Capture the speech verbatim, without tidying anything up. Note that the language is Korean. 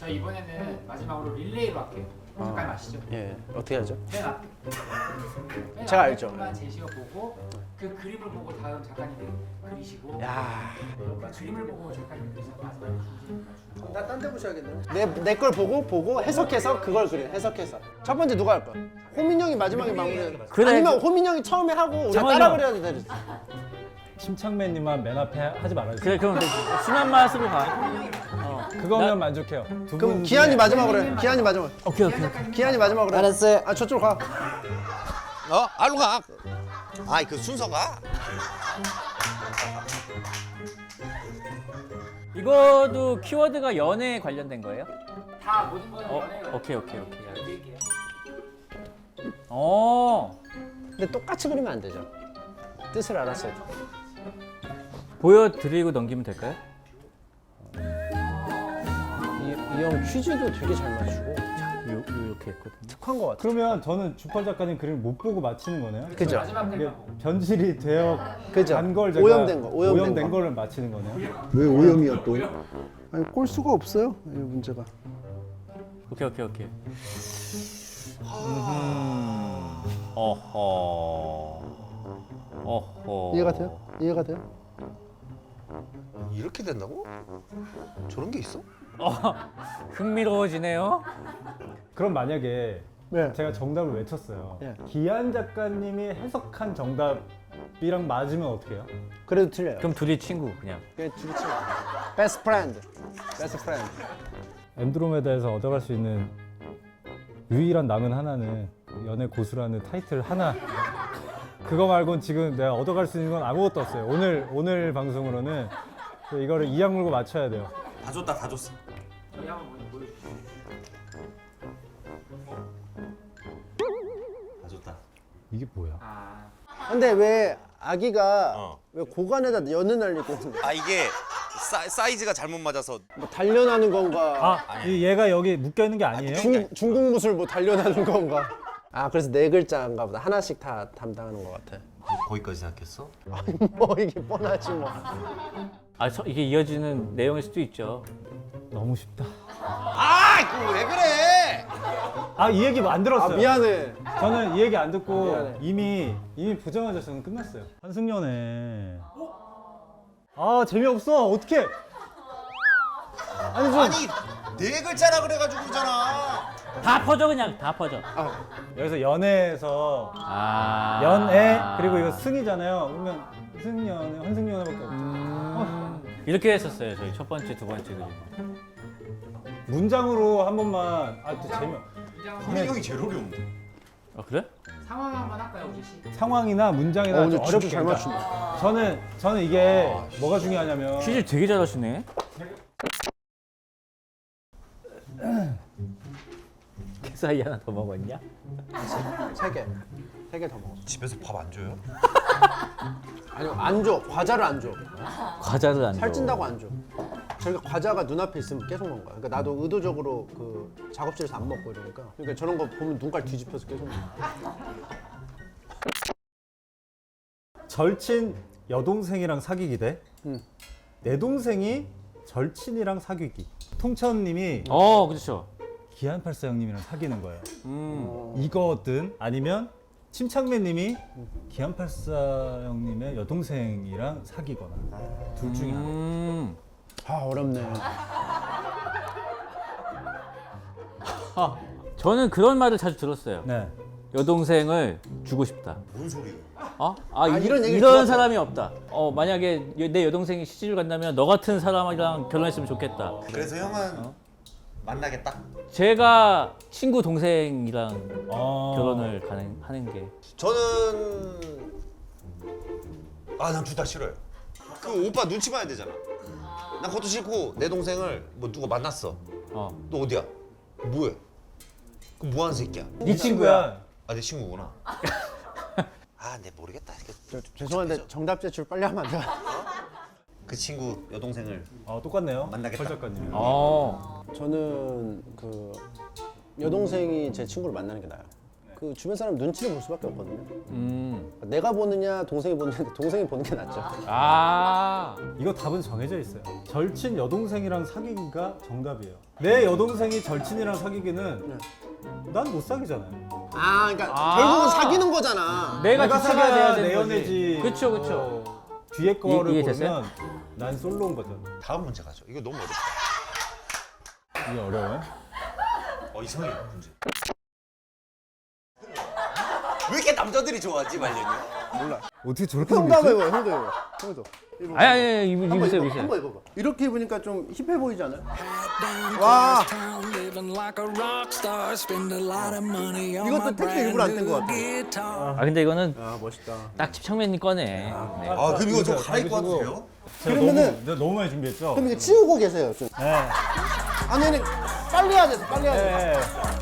저 이번에는 마지막으로 릴레이로 할게요. 잠깐 아시죠? 예, 어떻게 하죠? 맨 앞. 맨 제가 앞에 알죠. 분만 제시어 보고 그 그림을 보고 다음 작가님이 그리시고. 야, 그러니까 그림을 보고 작가님이 그리시고 마지막에 중심 맞추고. 나 딴 데 보셔야겠네요. 내 내 걸 보고 보고 해석해서 그걸 그려. 해석해서. 첫 번째 누가 할 거야? 호민 형이 마지막에 마무리. 그래. 아니면 호민 형이 처음에 하고 우리가 잠깐만요. 따라 그려야 되지. 침착맨님만 맨 앞에 하지 말아주세요. 그래 그럼 되지. 순한 맛으로 가. 그거면 나- 만족해요. 두 그럼 분 기한이 중에 마지막으로 해. 기한이 마지막. 오케이 오케이. 오케이. 기한이 마지막으로 해. 알았어요. 아 저쪽 가. 어? 알로 가. 아이 그 순서가. 이거도 키워드가 연애에 관련된 거예요? 다 모든 거는 어, 연애가. 오케이 오케이 오케이. 드릴게요. 어, 근데 똑같이 그리면 안 되죠. 뜻을 알았어야 돼. 보여드리고 넘기면 될까요? 이 형 퀴즈도 되게 잘 맞추고 요, 요 이렇게 했거든요. 특한 것 같아. 그러면 저는 주펄 작가님 그림을 못 보고 맞히는 거네요. 그죠? 마지막 이게 그림만 보고. 변질이 되어 그죠? 간걸 제가 오염된 거, 오염된 거. 거를 맞히는 거네요. 왜 오염이야 또? 아니 꼴 수가 없어요. 이 문제가. 오케이 오케이 오케이. 어허. 어허. 이해가 돼요? 이해가 돼요? 이렇게 된다고? 저런 게 있어? 어, 흥미로워지네요. 그럼 만약에 네. 제가 정답을 외쳤어요. 예. 기한 작가님이 해석한 정답이랑 맞으면 어떻게 해요? 그래도 틀려요. 그럼 둘이 친구 그냥. 그게 둘이 친구. 베스트 프렌드. 베스트 프렌드. 엔드로메다에서 얻어갈 수 있는 유일한 남은 하나는 연애 고수라는 타이틀 하나. 그거 말고는 지금 내가 얻어갈 수 있는 건 아무것도 없어요. 오늘 오늘 방송으로는 이거를 이악 물고 맞춰야 돼요. 다 줬다 다 줬어. 저희 한번 먼저 보여주세요. 다 줬다. 이게 뭐야? 아, 근데 왜 아기가 어. 왜 고관에다 연을 날리고 아 이게 사, 사이즈가 잘못 맞아서. 뭐 단련하는 건가? 아, 이 얘가 여기 묶여 있는 게 아니에요? 중, 중국 무술 뭐 단련하는 건가? 아 그래서 네 글자인가 보다. 하나씩 다 담당하는 것 같아. 거기까지 생각했어? 뭐 이게 뻔하지 뭐. 아, 저, 이게 이어지는 내용일 수도 있죠. 너무 쉽다. 아 그거 왜 그래? 아, 이 얘기 안 아 들었어요. 미안해. 저는 이 얘기 안 듣고 미안해. 이미 이미 보자마자 저는 끝났어요. 한승연애. 아, 재미없어. 어떡해? 아니 좀 아니 네 글자라 그래가지고 그러잖아. 다 퍼져 그냥 다 퍼져. 여기서 연애에서 아. 연애 그리고 이거 승이잖아요. 그러면 승연애, 환승연애밖에 없죠. 음, 이렇게 했었어요. 저희 첫 번째, 두 번째 그림. 문장으로 한 번만. 아, 또 재미. 호민 형이 제일 어려운데. 아, 그래? 상황 한번 할까요, 우지 씨? 상황이나 문장이나 어, 근데 좀 진짜 어렵게. 잘 그러니까 맞춘다. 저는 저는 이게 뭐가 중요하냐면 퀴즈 되게 잘하시네. 그 사이 하나 더 먹었냐? 세 개. 세 개 더 먹었어. 집에서 밥 안 줘요? 아니 안 줘. 과자를 안 줘. 과자를 안 줘. 살찐다고 안 줘. 저희가 과자가 눈앞에 있으면 계속 먹는 거야. 그러니까 나도 의도적으로 그 작업실에서 안 먹고 이러니까. 그러니까 저런 거 보면 눈깔 뒤집혀서 계속 먹어. 절친 여동생이랑 사귀기 대 응. 내 동생이 절친이랑 사귀기. 통천님이 어, 그렇죠. 기안팔사 형님이랑 사귀는 거예요. 음. 이거든 아니면 침착맨님이 기안팔사 형님의 여동생이랑 사귀거나 둘 중에 하나. 음. 아 어렵네. 아, 저는 그런 말을 자주 들었어요. 네. 여동생을 주고 싶다. 뭔 소리야? 어? 아, 이, 이런 이런, 얘기를 이런 들었어요. 사람이 없다. 어, 만약에 여- 내 여동생이 시집을 간다면 너 같은 사람이랑 결혼했으면 좋겠다. 그래서 형은 만나겠다. 제가 친구 동생이랑 어... 결혼을 가는, 하는 게. 저는 아 난 둘 다 싫어요. 그 오빠 눈치 봐야 되잖아. 난 그것도 싫고 내 동생을 뭐 누가 만났어. 어. 너 어디야? 뭐해? 그 뭐하는 새끼야? 네 친구야. 아 내 친구구나. 아 내 모르겠다. 이게 저, 죄송한데 정답 제출 빨리 하면 안 돼요? 그 친구 여동생을 어, 똑같네요. 만나겠다. 펄 작가님. 어. 저는 그 여동생이 제 친구를 만나는 게 나아요. 그 주변 사람 눈치를 볼 수밖에 없거든요. 음. 내가 보느냐 동생이 보느냐 동생이 보는 게 낫죠. 아. 이거 답은 정해져 있어요. 절친 여동생이랑 사귀기가 정답이에요. 내 여동생이 절친이랑 사귀기는 난 못 사귀잖아요. 아 그러니까 아. 결국은 사귀는 거잖아. 내가 내가 주체가 돼야 사귀어야 되는 내 거지. 연애지. 그쵸, 그쵸. 어, 뒤에 거를 이- 이해됐어요? 보면 난 솔로인 거죠. 다음 문제 가죠. 이거 너무 어렵다. 이게 어려워요? 어 이상해 문제. 왜 이렇게 남자들이 좋아하지 말년이? 몰라. 어떻게 저렇게 형도 한번 입어. 형도 입어. 형도. 입어. 아니, 아니, 아니, 입- 한번 입으세요, 입어, 입으세요. 한번 입어봐. 이렇게 입으니까 좀 힙해 보이지 않아요? 와. 이것도 택배 일부러 안 뗀 것 같아. 아, 근데 이거는 아 멋있다. 딱 집창맨이 꺼내. 네. 아 그럼 이거 좀 갈아입고 와도 돼요? 제가 그러면은- 너무, 내가 너무 많이 준비했죠? 그럼 이거 치우고 계세요 좀. 네. 아니 아니 빨리 해야 돼. 빨리 해야 돼. 네.